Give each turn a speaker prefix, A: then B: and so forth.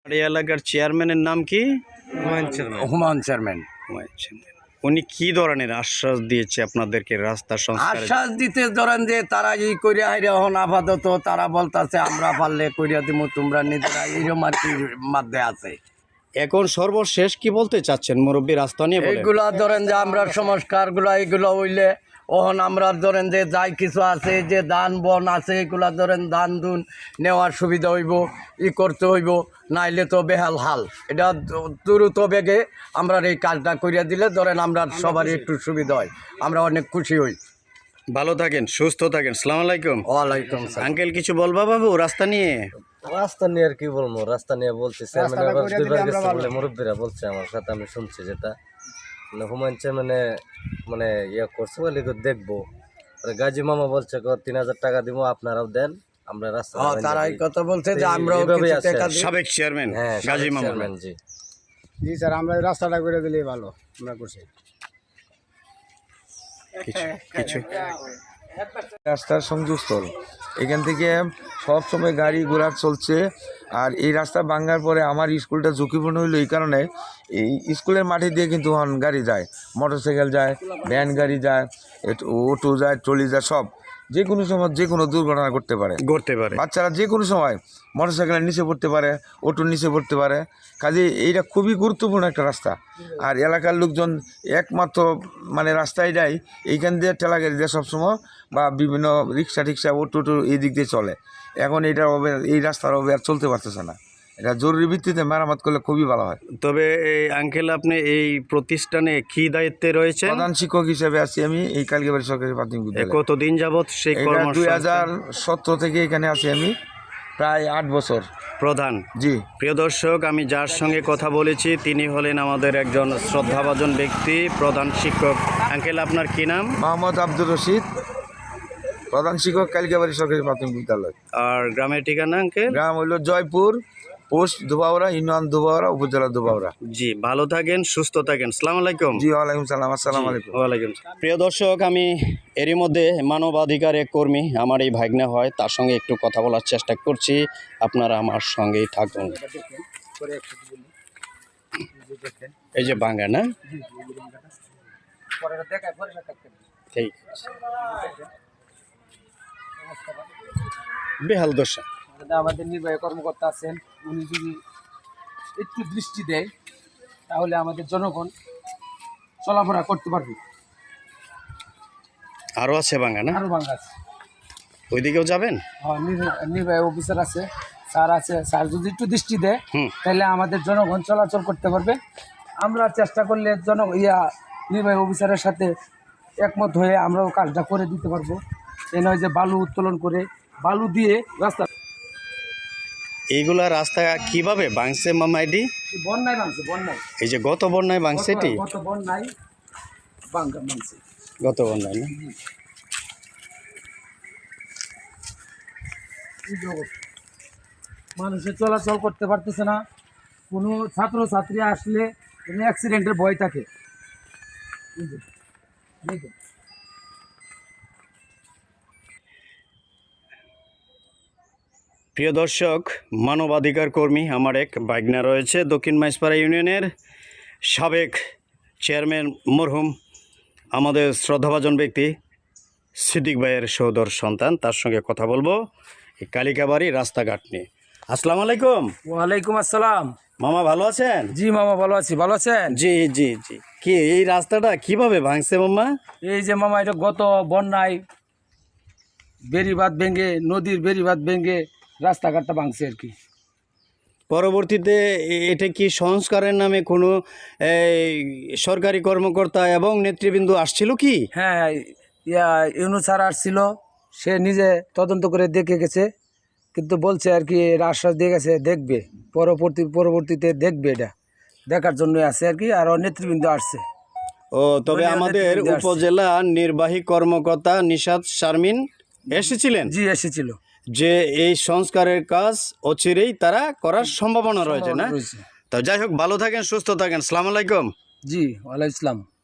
A: এই এলাকার চেয়ারম্যানের নাম কি?
B: হুমায়ুন চেয়ারম্যান।
A: উনি কি ধরনের আশ্বাস দিয়েছে আপনাদেরকে রাস্তা সংস্কার?
B: আশ্বাস দিতে ধরেন যে তারা এই করিয়া হাইরে এখন আপাতত তারা বলতেছে আমরা পারলে করিয়া দিব, তোমরা নিজেরা এইরকম আর কি মধ্যে আছে।
A: এখন সর্বশেষ কি বলতে চাচ্ছেন মুরব্বী রাস্তা নিয়ে?
B: এইগুলা ধরেন যে আমরা সংস্কারগুলো এইগুলো হইলে ওহন আমরা ধরেন যে যাই কিছু আছে যে ধান বন আছে এগুলা ধরেন ধান দুন নেওয়ার সুবিধা হইব, করতে হইব, নাইলে তো বেহাল হাল। এটা দ্রুত বেগে আমরা এই কাজটা করিয়া দিলে ধরেন আমরা সবারই একটু সুবিধা হয়, আমরা অনেক খুশি হই।
A: ভালো থাকেন, সুস্থ থাকেন। আসসালামু আলাইকুম।
B: ওয়ালাইকুম আসসালাম।
A: আঙ্কেল কিছু বলবা বাবু রাস্তা নিয়ে?
C: রাস্তা নিয়ে আর কি বলবো, রাস্তা নিয়ে বলছি মুরব্বীরা বলছে আমার সাথে, আমি শুনছি যেটা হুমায়ুন চেয়ারম্যানে মানে ইয়ে করছে বলে দেখবো। গাজী মামা বলছে ৩,০০০ টাকা দিব, আপনারাও দেন, আমরা রাস্তা
B: তারাই কথা বলছে যে আমরা
A: সাবেক চেয়ারম্যান গাজী মামা।
C: জি
D: জি স্যার, আমরা রাস্তাটা করে দিলেই ভালো, আমরা করছি।
A: কিছু
E: রাস্তার সংযোগস্থল, এখান থেকে সব সময় গাড়ি ঘোড়া চলছে। আর এই রাস্তা ভাঙার পরে আমার স্কুলটা ঝুঁকিপূর্ণ হইলো এই কারণে, এই স্কুলের মাঠে দিয়ে কিন্তু গাড়ি যায়, মোটরসাইকেল যায়, ভ্যান গাড়ি যায়, অটো যায়, ট্রলি যায়, সব যে কোনো সময় যে কোনো দুর্ঘটনা করতে পারে। বাচ্চারা যে কোনো সময় মোটরসাইকেলের নিচে পড়তে পারে, অটোর নিচে পড়তে পারে। কাজে এইটা খুবই গুরুত্বপূর্ণ একটা রাস্তা। আর এলাকার লোকজন একমাত্র মানে রাস্তায় যায় এইখান দিয়ে ঠেলা গাড়ি দিয়ে সবসময়, বা বিভিন্ন রিক্সা টিক্সা অটো এই দিক দিয়ে চলে। এখন এটা এই রাস্তার আর চলতে পারতেছে না, এটা জরুরি ভিত্তিতে মেরামত করলে খুবই ভালো হয়।
A: তবে এই আঙ্কেল আপনি এই প্রতিষ্ঠানে কি দায়িত্বে রয়েছে?
E: প্রধান শিক্ষক হিসেবে আছি আমি এই কালিকাবাড়ি সরকারি প্রাথমিক বিদ্যালয়ে।
A: কতদিন যাবত সেই
E: 2017 থেকে এখানে আছি আমি, প্রায় 8 বছর
A: প্রধান।
E: জি।
A: প্রিয় দর্শক, আমি যার সঙ্গে কথা বলেছি তিনি হলেন আমাদের একজন শ্রদ্ধাভাজন ব্যক্তি, প্রধান শিক্ষক। আঙ্কেল আপনার কি নাম?
E: মোহাম্মদ আব্দুর রশিদ, প্রধান শিক্ষক কালিকাবাড়ি সরকারি প্রাথমিক বিদ্যালয়।
A: আর গ্রামের ঠিকানা আঙ্কেল?
E: গ্রাম হইল জয়পুর, পোস্ট ধুবাউড়া, ইউনিয়ন ধুবাউড়া, উপজেলা ধুবাউড়া।
A: জি, ভালো থাকেন, সুস্থ থাকেন। আসসালামু আলাইকুম।
E: জি ওয়ালাইকুম সালাম। আসসালামু আলাইকুম।
A: ওয়ালাইকুম। প্রিয় দর্শক, আমি এরই মধ্যে মানবাধিকার এক কর্মী, আমার এই ভাগ্নে হয়, তার সঙ্গে একটু কথা বলার চেষ্টা করছি। আপনারা আমার সঙ্গেই থাকুন। এই যে বাঙ্গা না, ঠিক আছে। বেহাল দশা।
D: আমাদের নির্বাহী কর্মকর্তা আছেন, উনি যদি একটু দৃষ্টি দেয় তাহলে আমাদের জনগণ চলাফেরা করতে পারবে।
A: আরো আছে বাঙ্গা না?
D: আরো বাংলা আছে,
A: ওইদিকেও যাবেন?
D: হ্যাঁ, নির্বাহী অফিসার আছে, স্যার আছে। স্যার যদি একটু দৃষ্টি দেয় তাহলে আমাদের জনগণ চলাচল করতে পারবে। আমরা চেষ্টা করলে নির্বাহী অফিসারের সাথে একমত হয়ে আমরাও কাজটা করে দিতে পারবো। এ নয় যে বালু উত্তোলন করে বালু দিয়ে রাস্তা।
A: এইগুলা রাস্তা কিভাবে ভাঙছে মামা? এটি
D: বন্যায় ভাঙছে, বন্যায়।
A: এই যে গত বন্যায় ভাঙছে, এটি
D: গত বন্যায় ভাঙছে,
A: গত বন্যায় না?
D: মানুষের চলাচল করতে পারতেছে না। কোনো ছাত্র ছাত্রী আসলে কোনো অ্যাক্সিডেন্টের ভয় থাকে।
A: প্রিয় দর্শক, মানবাধিকার কর্মী আমার এক ভাগ্না রয়েছে, দক্ষিণ মাইজপাড়া ইউনিয়নের সাবেক চেয়ারম্যান মরহুম আমাদের শ্রদ্ধাভাজন ব্যক্তি সিদ্দিক ভাইয়ের সহোদর সন্তান। তার সঙ্গে কথা বলবো এই কালিকাবাড়ি রাস্তাঘাট নিয়ে। আসসালামু আলাইকুম।
D: ওয়ালাইকুম আসসালাম।
A: মামা ভালো আছেন?
D: জি মামা ভালো আছি, ভালো আছেন?
A: জি জি জি। কি এই রাস্তাটা কিভাবে ভাঙছে মামা?
D: এই যে মামা, এটা গত বন্যায় বেড়িবাঁধ ভেঙে, নদীর বেড়িবাঁধ ভেঙে রাস্তাঘাটটা ভাঙছে আর কি।
A: পরবর্তীতে এটা কি সংস্কারের নামে কোনো সরকারি কর্মকর্তা এবং নেতৃবৃন্দ আসছিল কি?
D: হ্যাঁ, ইউনূস স্যার আসছিল, সে নিজে তদন্ত করে দেখে গেছে, কিন্তু বলছে আর কি আশ্বাস দিয়ে গেছে দেখবে, পরবর্তীতে দেখবে, এটা দেখার জন্য আছে আর কি। আর নেতৃবৃন্দ আসছে।
A: ও, তবে আমাদের উপজেলা নির্বাহী কর্মকর্তা নিশাত শারমিন এসেছিলেন?
D: জি এসেছিল।
A: যে এই সংস্কারের কাজ অচিরেই তারা করার সম্ভাবনা রয়েছে না? তো যাই হোক, ভালো থাকেন, সুস্থ থাকেন। আসসালামু আলাইকুম।
D: জি ওয়ালাইকুম আসসালাম।